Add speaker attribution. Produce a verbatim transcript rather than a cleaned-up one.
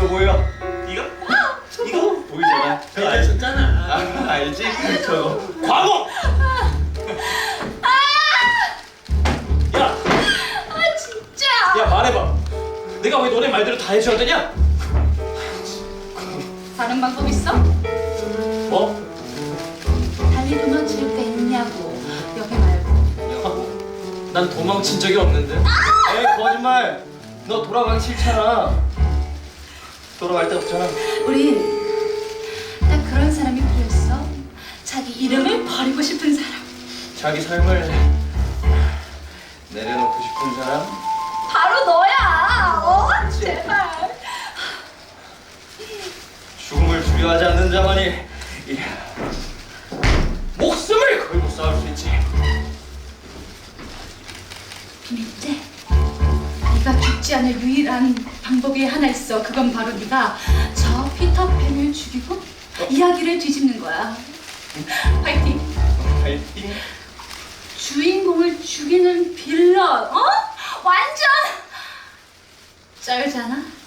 Speaker 1: 보여 보여. 이거? 이거 보이잖아. 저거 알지?
Speaker 2: 줬잖아.
Speaker 1: 아, 알지? 저거 과거. 야,
Speaker 3: 아 진짜.
Speaker 1: 야 말해봐. 내가 왜 너네 말대로 다 해줘야 되냐?
Speaker 3: 다른 방법 있어?
Speaker 1: 뭐?
Speaker 3: 달리 도망칠 때 있냐고. 옆에 말고.
Speaker 1: 난 도망친 적이 없는데. 에이 거짓말. 너 돌아가기 싫잖아. 돌아갈 데 없잖아.
Speaker 3: 우리 딱 그런 사람이 필요했어. 자기 이름을 버리고 싶은 사람.
Speaker 1: 자기 삶을 내려놓고 싶은 사람?
Speaker 3: 바로 너야. 어? 제발.
Speaker 1: 죽음을 두려워하지 않는 자만이 이 목숨을 걸고 싸울 수 있지.
Speaker 3: 비밀제. 네가 죽지 않을 유일한 방법이 하나 있어. 그건 바로 네가 저 피터팬을 죽이고 이야기를 뒤집는 거야. 파이팅.
Speaker 1: 파이팅.
Speaker 3: 주인공을 죽이는 빌런. 어? 완전 쩔잖아.